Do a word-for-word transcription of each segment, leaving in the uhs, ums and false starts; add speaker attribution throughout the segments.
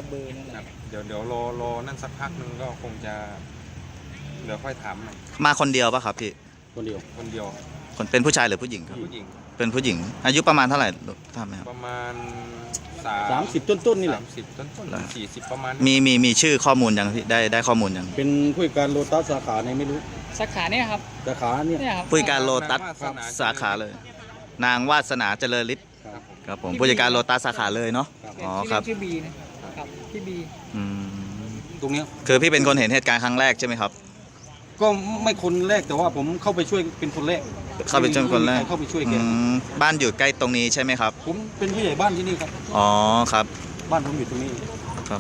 Speaker 1: เบอร์นั่นแหละ
Speaker 2: เดี๋ยวเดี๋ยวรอรอนั่นสักพักนึงก็คงจะเดี๋ยวค่อยถาม
Speaker 3: มาคนเดียวป่ะครับพี่
Speaker 1: คนเดียว
Speaker 2: คนเดียว
Speaker 3: คนเป็นผู้ชายหรือผู้หญิงครับ
Speaker 2: ผู้หญิง
Speaker 3: เป็นผู้หญิง อายุประมาณเท่าไหร่ทราบไหมครับ
Speaker 2: ประมาณ
Speaker 1: สามสิบต้นๆนี่แหละ
Speaker 2: สามสิบต้นต้นสี่สิบประมาณ
Speaker 3: มีมีมีชื่อข้อมูลยังพี่ได้ได้ข้อมูลยัง
Speaker 1: เป็นผู้จัดการโลตัสสาขาในไม่รู้
Speaker 4: สาขาเนี่ยครับ
Speaker 1: สาขาเนี่ย
Speaker 4: เนี่ยครับ
Speaker 3: ผู้จัดการโลตัสสาขาเลย นางวาสนาเจริญฤทธิ์
Speaker 1: ครับ
Speaker 3: ครับผมผู้จัดการโลตัสสาขาเลยเนาะ
Speaker 1: ครับ
Speaker 3: อ๋อครับ
Speaker 4: ชื่อบีนะครับพี่บี
Speaker 3: อืม
Speaker 1: ตรงเนี้ย
Speaker 3: คือพี่เป็นคนเห็นเหตุการณ์ครั้งแรกใช่ไหมครับ
Speaker 1: ก็ไม่คนแรกแต่ว่าผมเข้าไปช่วยเป็นคนแรก
Speaker 3: เข้าไปช่วยคนแรก
Speaker 1: เข้าไปช่วยแก
Speaker 3: อืมบ้านอยู่ใกล้ตรงนี้ใช่ไหมครับ
Speaker 1: ผมเป็นผู้ใหญ่บ้านที่นี่ครับ
Speaker 3: อ๋อครับ
Speaker 1: บ้านผมอยู่ตรงนี้
Speaker 3: ครับ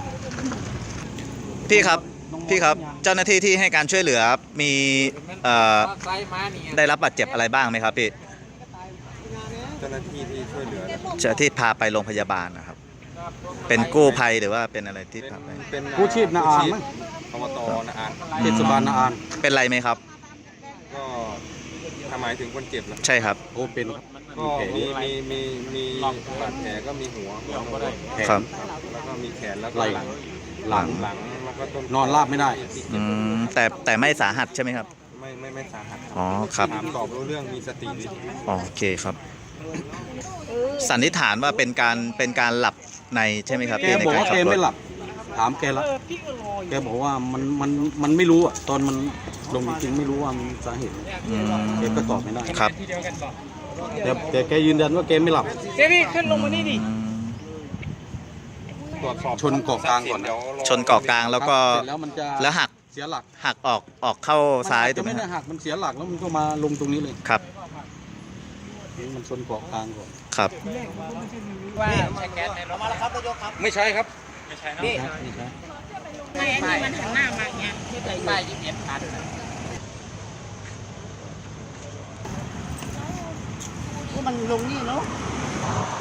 Speaker 3: พี่ครับพี่ครับเจ้าหน้าที่ที่ให้การช่วยเหลือมีเอ่อได้รับบาดเจ็บอะไรบ้างไหมครับพี่
Speaker 2: เจ้าหน้าที่ที่ช่วยเหลือ
Speaker 3: เจ้าที่พาไปโรงพยาบาลนะครับ เป็นกู้ภัยหรือว่าเป็นอะไรที่พาไป
Speaker 2: เป็น
Speaker 1: กู้ชีพนาอานมั้ง
Speaker 2: อบตนาอาน
Speaker 1: เทศบาลนาอาน
Speaker 3: เป็นไรไหมครับ
Speaker 2: ก็ทำหมายถึงคนเจ็บเหรอ
Speaker 3: ใช่ครับ
Speaker 1: โอ้เป็น
Speaker 2: ก็มีมีมีมีบาดแผลก็มีหัวหัวโน
Speaker 1: แขน
Speaker 3: ครับ
Speaker 2: แล้วก็มีแขนแล้วก็
Speaker 1: ไหล่
Speaker 2: หลัง
Speaker 1: หลัง
Speaker 2: หลังแล้วก็ต้น
Speaker 1: นอนราบไม่ได้
Speaker 3: อืมแต่แต่ไม่สาหัสใช่ไหมครับ
Speaker 2: ไม่ไม่ไม่สาหัส
Speaker 3: อ๋อครับ
Speaker 2: ถามตอบรู้เรื่องมีสติดี
Speaker 3: อ๋อโอเคครับ สันนิษฐานว่าเป็นการเป็นการหลับในใช่ไหมครับ
Speaker 1: แก
Speaker 3: พี่ใน
Speaker 1: บอก
Speaker 3: การ
Speaker 1: ว่า
Speaker 3: ขั
Speaker 1: แก
Speaker 3: บร
Speaker 1: ไม่
Speaker 3: ถ
Speaker 1: หลับ ถามแกแล้วแกบอกว่ามันมันมันไม่รู้อ่ะตอนมันลงจริงๆไม่รู้ว่ามันสาเหตุ
Speaker 3: อืม
Speaker 1: แกก็ตอบไม่ได้
Speaker 3: ครับ
Speaker 4: ที่เดียวกันบอก
Speaker 1: แต่แต่แกยืนยันว่าแกไม่หลับ
Speaker 4: เจพี่ขึ้นลงมานี่ดิ
Speaker 3: อืม
Speaker 2: ตรวจสอบ
Speaker 1: ชนเกาะกลางก่อนนะ
Speaker 2: เดี๋ยวรอ
Speaker 3: ชนเกาะกลางแล้วก็
Speaker 1: เสร็จแล้วมันจะ
Speaker 3: แล้วหัก
Speaker 1: เสียหลัก
Speaker 3: หักออกออกเข้าซ้าย
Speaker 1: มัน
Speaker 3: ถู
Speaker 1: จะ
Speaker 3: กไหม
Speaker 1: ไม่ได้
Speaker 3: ครับ
Speaker 1: หักมันเสียหลักแล้วมันก็มาลงตรงนี้เลย
Speaker 3: ครับ
Speaker 1: มันชนเกาะกลางก่อน
Speaker 3: ครับ
Speaker 4: ว่าใช้แก๊สในรถมาแล้วครับ
Speaker 1: ไม่ใช่ครับ
Speaker 4: ไม่ใช่
Speaker 1: นี่
Speaker 4: เนาะ
Speaker 1: ไม่ใช่
Speaker 5: ไม่อันนี้มันหันหน้ามาอย่างเงี้ย
Speaker 4: ที่ใส่ป้ายยี่สิบเอ็ดพัน
Speaker 5: ว่ามันลงนี่เนาะ